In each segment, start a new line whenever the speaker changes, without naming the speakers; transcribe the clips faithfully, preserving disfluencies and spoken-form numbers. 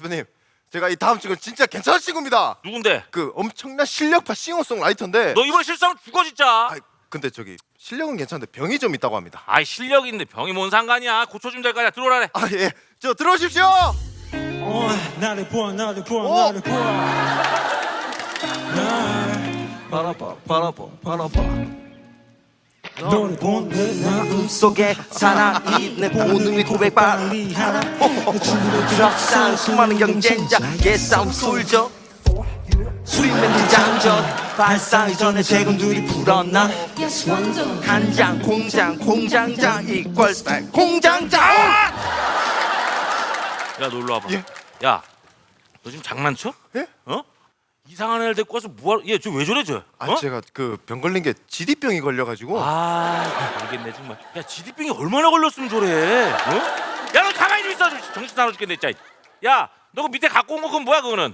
대표님, 제가 이 다음 친구 진짜 괜찮은 친구입니다.
누군데?
그 엄청난 실력파 싱어송라이터인데.
너 이번 실수하면 죽어 진짜.
아, 근데 저기 실력은 괜찮은데 병이 좀 있다고 합니다.
아이 실력 있는데 병이 뭔 상관이야. 고쳐주면 될 거 아니야. 들어오라래.
아 예, 저 들어오십시오.
어, 나를 보아 나를 보아
어?
나를 보아
바라봐 바라봐 바라봐
너를 본내 마음
속에 살아있는 본능의 고백바
빨리 하라
드랍상 수많은 경쟁자의 싸움 쏠져 수입맨들 장전 발사하기 전에 대군들이 불었나 간장 공장 공장장 이퀄 공장장
야 놀러 와봐.
예?
야, 너 지금 장난쳐?
예?
어? 이상한 애를 데리고 와서 뭐하러? 얘 저 왜 저래 저?
아
어?
제가 그 병 걸린 게 지디병이 걸려가지고.
아, 모르겠네 정말. 야, 지디병이 얼마나 걸렸으면 저래? 어? 야, 너 가만히 좀 있어. 정신 나눠 죽겠네, 진짜. 야, 너 그 밑에 갖고 온 거 그건 뭐야 그거는?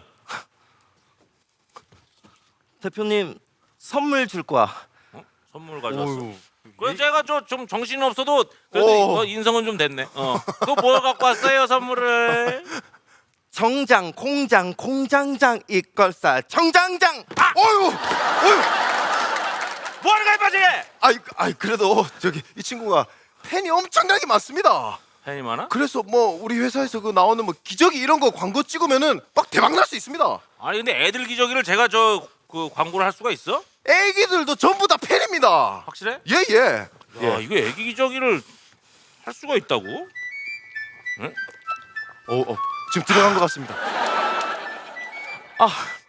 대표님 선물 줄 거야.
어? 선물 가져왔어.
어휴.
그래 제가 저 좀 정신 없어도 그래도
오.
어, 인성은 좀 됐네. 어. 그거 뭘 갖고 왔어요 선물을?
정장 공장 공장장 이퀄살 정장장
아!
어휴, 어휴.
뭐 하는 거야 빠지?
아이, 아이 그래도 저기 이 친구가 팬이 엄청나게 많습니다.
팬이 많아?
그래서 뭐 우리 회사에서 그 나오는 뭐 기저귀 이런 거 광고 찍으면은 막 대박 날 수 있습니다.
아니 근데 애들 기저귀를 제가 저 그 광고를 할 수가 있어?
애기들도 전부 다 팬입니다.
확실해?
예 예.
야 이거 애기 기저귀를 할 수가 있다고?
어, 어 지금 들어간 것 같습니다.
아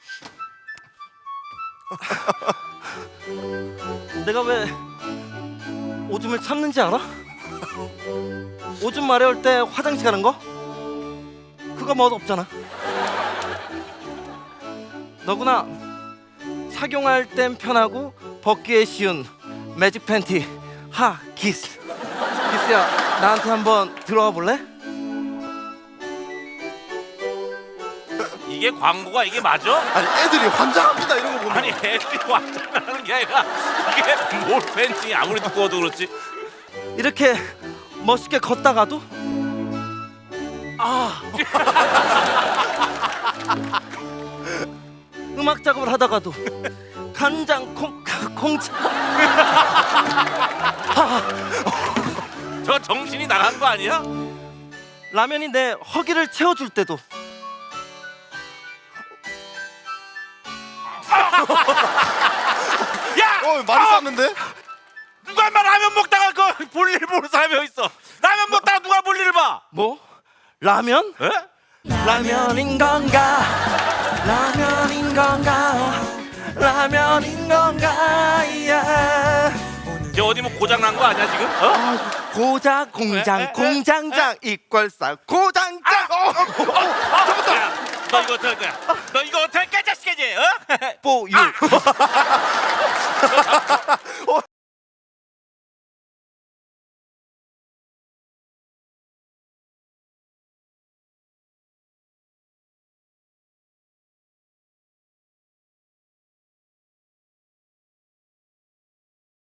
내가 왜 오줌을 참는지 알아? 오줌 마려울 때 화장실 가는 거? 그거 멋 없잖아. 너구나 착용할 땐 편하고 벗기에 쉬운 매직 팬티 하 기스. 기스야 나한테 한번 들어와 볼래?
이게 광고가 이게 맞아?
아니 애들이 환장합니다 이런 거 보면.
아니 애들이 완전하는 게 아니라 이게 뭘 팬티 아무리 두꺼워도 그렇지.
이렇게 멋있게 걷다가도 아 음악 작업을 하다가도 간장 콩 공장
저 정신이 나간 거 아니야?
라면이 내 허기를 채워줄 때도
야!
어 많이 쌌는데?
누가 인마 라면 먹다가 그 볼일 보는 사람이 있어. 라면 먹다가 누가 볼일을 봐?
뭐 라면?
에?
라면인 건가 라면인 건가 라면인 건가 예.
쟤 어디 뭐 고장 난 거 아니야 지금? 어?
고장 공장
에, 에, 에,
공장장 이퀄살 고장장
야, 너 이거 어떻게 할 거야? 너 이거 어떻게 할 거야 자식이지? 어?
뽀유